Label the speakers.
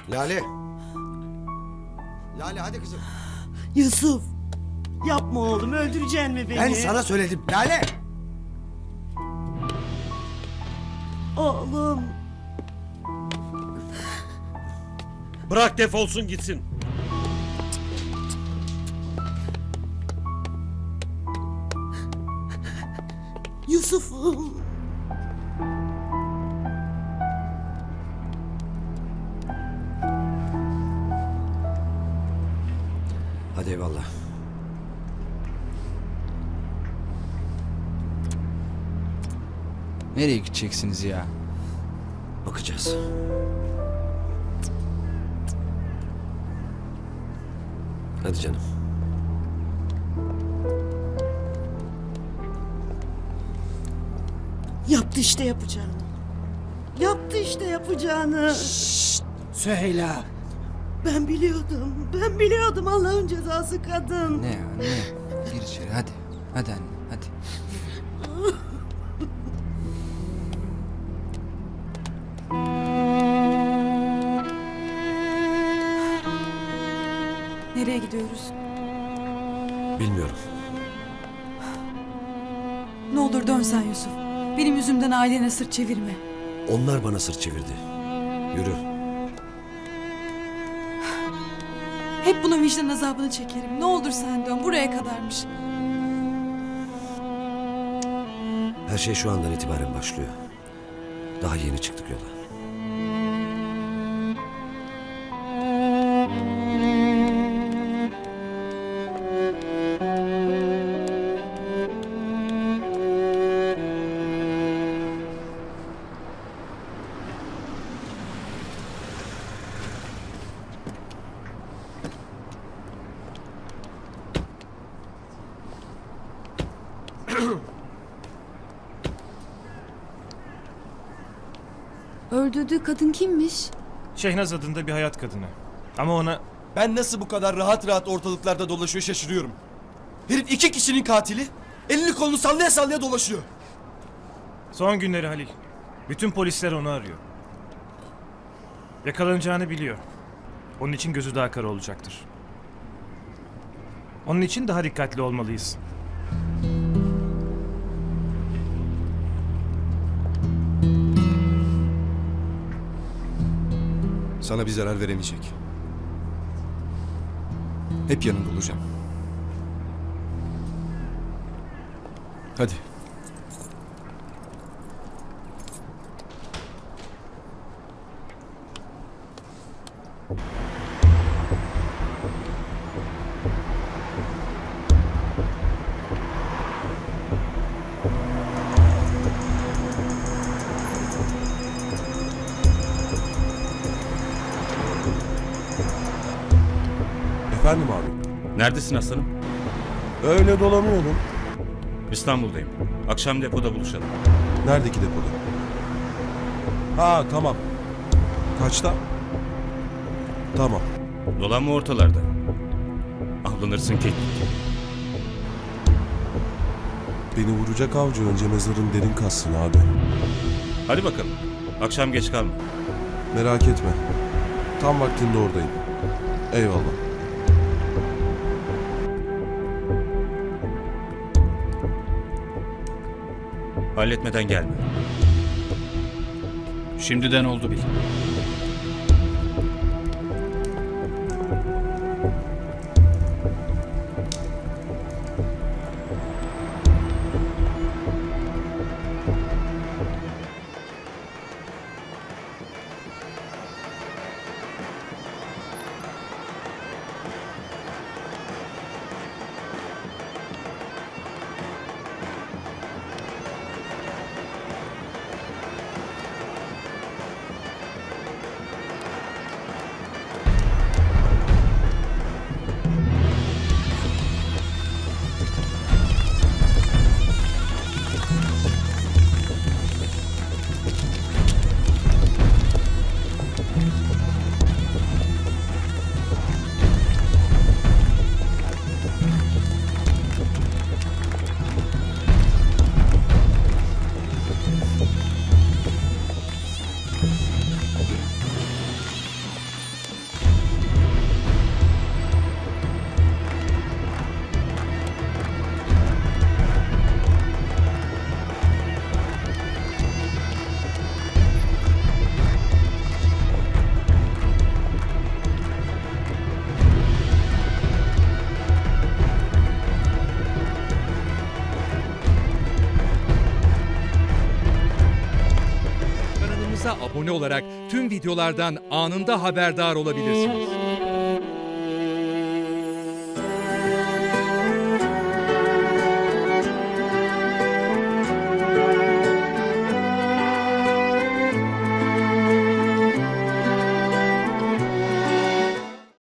Speaker 1: Lale. Lale hadi kızım.
Speaker 2: Yusuf. Yapma oğlum, öldüreceksin mi beni?
Speaker 1: Ben sana söyledim. Lale.
Speaker 2: Oğlum.
Speaker 3: Bırak defolsun gitsin.
Speaker 2: Yusuf'um.
Speaker 1: Hadi eyvallah.
Speaker 4: Nereye gideceksiniz ya?
Speaker 1: Bakacağız. Hadi canım.
Speaker 2: Yaptı işte yapacağını. Yaptı işte yapacağını.
Speaker 4: Süheyla.
Speaker 2: Ben biliyordum Allah'ın cezası kadın.
Speaker 4: Ne ya ne? Gir içeri hadi. Hadi anne hadi.
Speaker 5: Nereye gidiyoruz?
Speaker 1: Bilmiyorum.
Speaker 5: Ne olur dön sen Yusuf. Benim yüzümden ailene sırt çevirme.
Speaker 1: Onlar bana sırt çevirdi. Yürü.
Speaker 5: Hep bunun vicdan azabını çekerim. Ne olur sen dön. Buraya kadarmış.
Speaker 1: Her şey şu andan itibaren başlıyor. Daha yeni çıktık yola.
Speaker 6: Öldürdüğü kadın kimmiş?
Speaker 7: Şehnaz adında bir hayat kadını. Ama ona
Speaker 8: Ben nasıl bu kadar rahat rahat ortalıklarda dolaşıyor şaşırıyorum. Herif 2 kişinin katili. Elini kolunu sallaya sallaya dolaşıyor.
Speaker 7: son günleri Halil. Bütün polisler onu arıyor. Yakalanacağını biliyor. Onun için gözü daha kara olacaktır. Onun için daha dikkatli olmalıyız.
Speaker 8: Sana bir zarar veremeyecek. Hep yanında olacağım. Hadi.
Speaker 9: Efendim abi.
Speaker 3: Neredesin aslanım?
Speaker 9: Öyle dolanıyordum.
Speaker 3: İstanbul'dayım. Akşam depoda buluşalım.
Speaker 9: Neredeki depoda? Ha tamam. Kaçta? Tamam.
Speaker 3: Dolanma ortalarda. Avlanırsın ki.
Speaker 9: Beni vuracak avcı önce mezarın derin kazsın abi.
Speaker 3: Hadi bakalım. Akşam geç kalma.
Speaker 9: Merak etme. Tam vaktinde oradayım. Eyvallah.
Speaker 3: Halletmeden gelme.
Speaker 4: Şimdiden oldu bil.
Speaker 6: Kanalımıza abone olarak tüm videolardan anında haberdar olabilirsiniz.